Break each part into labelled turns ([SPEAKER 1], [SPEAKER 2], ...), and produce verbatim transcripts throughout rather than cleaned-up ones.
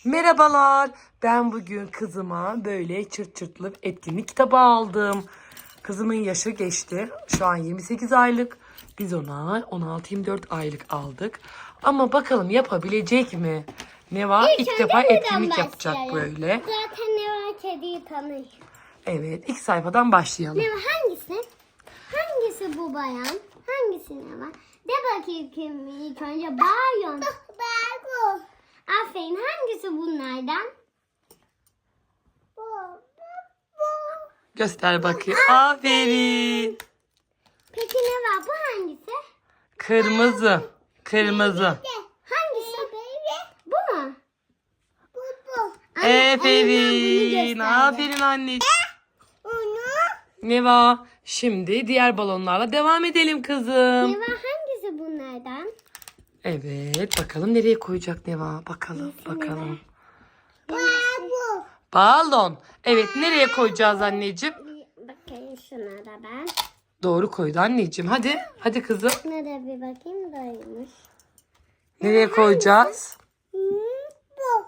[SPEAKER 1] Merhabalar. Ben bugün kızıma böyle çırt çırtlı etkinlik kitabı aldım. Kızımın yaşı geçti. Şu an yirmi sekiz aylık. Biz ona on altı yirmi dört aylık aldık. Ama bakalım yapabilecek mi? Neva ilk, ilk defa etkinlik yapacak böyle.
[SPEAKER 2] Zaten Neva kediyi tanıyor.
[SPEAKER 1] Evet, ilk sayfadan başlayalım.
[SPEAKER 2] Neva hangisi? Hangisi bu bayan? Hangisi Neva? De bakayım kim ilk önce bayon. Bu. Aferin, hangisi bunlardan? Bu. Bu.
[SPEAKER 1] Göster bakayım. Aferin.
[SPEAKER 2] Peki Neva bu hangisi?
[SPEAKER 1] Kırmızı. Kırmızı.
[SPEAKER 2] Hangisi? Bu mu? Bu bu.
[SPEAKER 1] Aferin. Aferin anneciğim.
[SPEAKER 2] Onu.
[SPEAKER 1] Neva, şimdi diğer balonlarla devam edelim kızım.
[SPEAKER 2] Neva hangisi bunlardan?
[SPEAKER 1] Evet, bakalım nereye koyacak Neva? Bakalım, bakalım.
[SPEAKER 2] Bu.
[SPEAKER 1] Balon. Evet, nereye koyacağız anneciğim?
[SPEAKER 2] Bakayım şuna da ben.
[SPEAKER 1] Doğru koydu anneciğim. Hadi, hadi kızım.
[SPEAKER 2] Şuna da bir bakayım doymuş.
[SPEAKER 1] Nereye koyacağız?
[SPEAKER 2] Bu.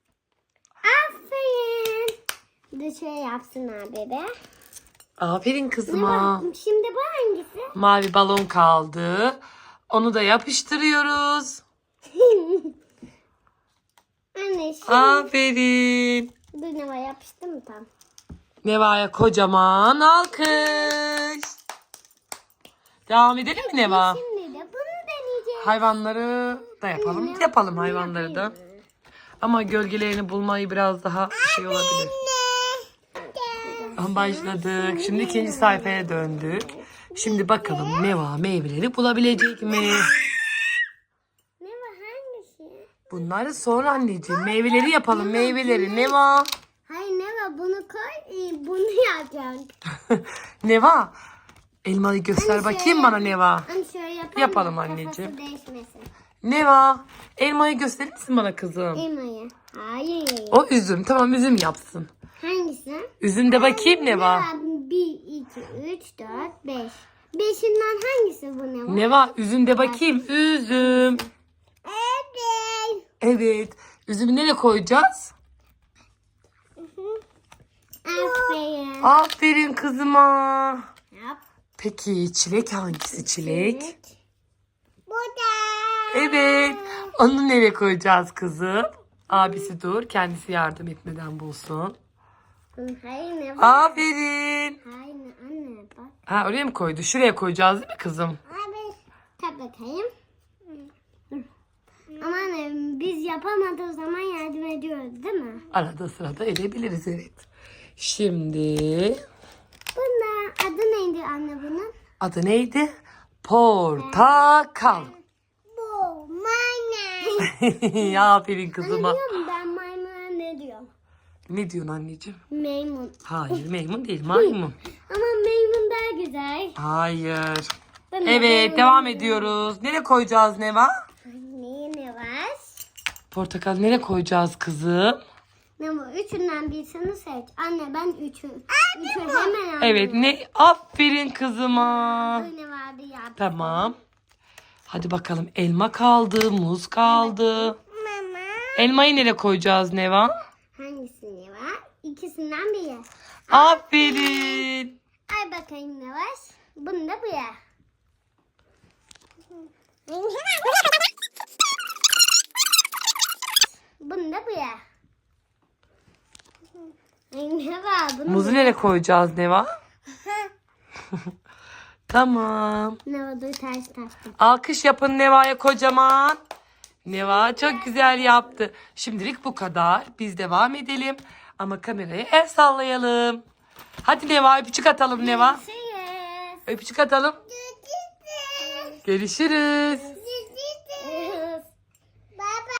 [SPEAKER 2] Aferin. Bir şey yapsın abi be.
[SPEAKER 1] Aferin kızıma.
[SPEAKER 2] Şimdi bu hangisi?
[SPEAKER 1] Mavi balon kaldı. Onu da yapıştırıyoruz.
[SPEAKER 2] Anne şimdi.
[SPEAKER 1] Aferin.
[SPEAKER 2] Dur Neva yapıştı mı tam?
[SPEAKER 1] Neva'ya kocaman alkış. Devam edelim mi Neva?
[SPEAKER 2] Şimdi de bunu deneyeceğiz.
[SPEAKER 1] Hayvanları da yapalım. Yapalım hayvanları da. Ama gölgelerini bulmayı biraz daha şey olabilir. Başladık. Şimdi ikinci sayfaya döndük. Şimdi bakalım Neva meyveleri bulabilecek mi?
[SPEAKER 2] Neva hangisi?
[SPEAKER 1] Bunları sonra anneciğim. Meyveleri yapalım. Meyveleri. Neva.
[SPEAKER 2] Hayır Neva bunu koy. e, Bunu yapacağım.
[SPEAKER 1] Neva. Elmayı göster bakayım bana Neva.
[SPEAKER 2] Hani şöyle yapalım.
[SPEAKER 1] Yapalım
[SPEAKER 2] da
[SPEAKER 1] anneciğim.
[SPEAKER 2] kafası değişmesin.
[SPEAKER 1] Neva. Elmayı gösterir misin bana kızım?
[SPEAKER 2] Elmayı. Hayır.
[SPEAKER 1] O üzüm. Tamam üzüm yapsın.
[SPEAKER 2] Hangisi?
[SPEAKER 1] Üzüm de bakayım Neva.
[SPEAKER 2] bir, iki, üç, dört, beş. Beşinden hangisi bu Neva?
[SPEAKER 1] Neva üzüm de bakayım. Üzüm.
[SPEAKER 2] Evet.
[SPEAKER 1] Evet. Üzümü nereye koyacağız?
[SPEAKER 2] Aferin.
[SPEAKER 1] Aferin kızıma.
[SPEAKER 2] Yap.
[SPEAKER 1] Peki çilek hangisi çilek?
[SPEAKER 2] Bu da.
[SPEAKER 1] Evet. Onu nereye koyacağız kızım? Abisi dur. Kendisi yardım etmeden bulsun.
[SPEAKER 2] Hayır Neva.
[SPEAKER 1] Aferin.
[SPEAKER 2] Hayır anne bak.
[SPEAKER 1] Ha oraya mı koydu? Şuraya koyacağız değil mi kızım?
[SPEAKER 2] Abi. Tak bakayım. Ama anne biz yapamadığı zaman yardım ediyoruz değil mi?
[SPEAKER 1] Arada sırada edebiliriz evet. Şimdi
[SPEAKER 2] Bunda adı neydi anne bunun?
[SPEAKER 1] adı neydi? Portakal.
[SPEAKER 2] Bu maymun.
[SPEAKER 1] Aferin kızıma.
[SPEAKER 2] Anne ben maymuna ne diyorum?
[SPEAKER 1] Ne diyorsun anneciğim?
[SPEAKER 2] Maymun.
[SPEAKER 1] Hayır maymun değil maymun.
[SPEAKER 2] Ama maymun daha güzel.
[SPEAKER 1] Hayır.
[SPEAKER 2] Ben de
[SPEAKER 1] Evet
[SPEAKER 2] maymun
[SPEAKER 1] devam
[SPEAKER 2] diyorum.
[SPEAKER 1] ediyoruz. Nereye koyacağız Neva?
[SPEAKER 2] Anne ne var?
[SPEAKER 1] Portakal nereye koyacağız kızım?
[SPEAKER 2] Ne bu? Üçünden birisini seç. Anne ben üçü. Üçü hemen aldım.
[SPEAKER 1] Evet ne? Aferin kızıma.
[SPEAKER 2] Bu ne vardı ya?
[SPEAKER 1] Tamam. Hadi bakalım elma kaldı, muz kaldı.
[SPEAKER 2] Mama.
[SPEAKER 1] Elmayı nereye koyacağız Neva?
[SPEAKER 2] Hangisi ne var? İkisinden biri.
[SPEAKER 1] Aferin.
[SPEAKER 2] Ay bakayım ne var? Bunu da bu ya. Bunu da bu ya. Ay ne var? Bunu
[SPEAKER 1] Muzu nereye koyacağız Neva? Tamam.
[SPEAKER 2] ne var? Dur ters taktım.
[SPEAKER 1] Alkış yapın Neva'ya kocaman. Neva çok güzel yaptı. Şimdilik bu kadar. Biz devam edelim. Ama kameraya el sallayalım. Hadi Neva öpücük atalım Neva.
[SPEAKER 2] Görüşürüz.
[SPEAKER 1] Öpücük atalım. Görüşürüz.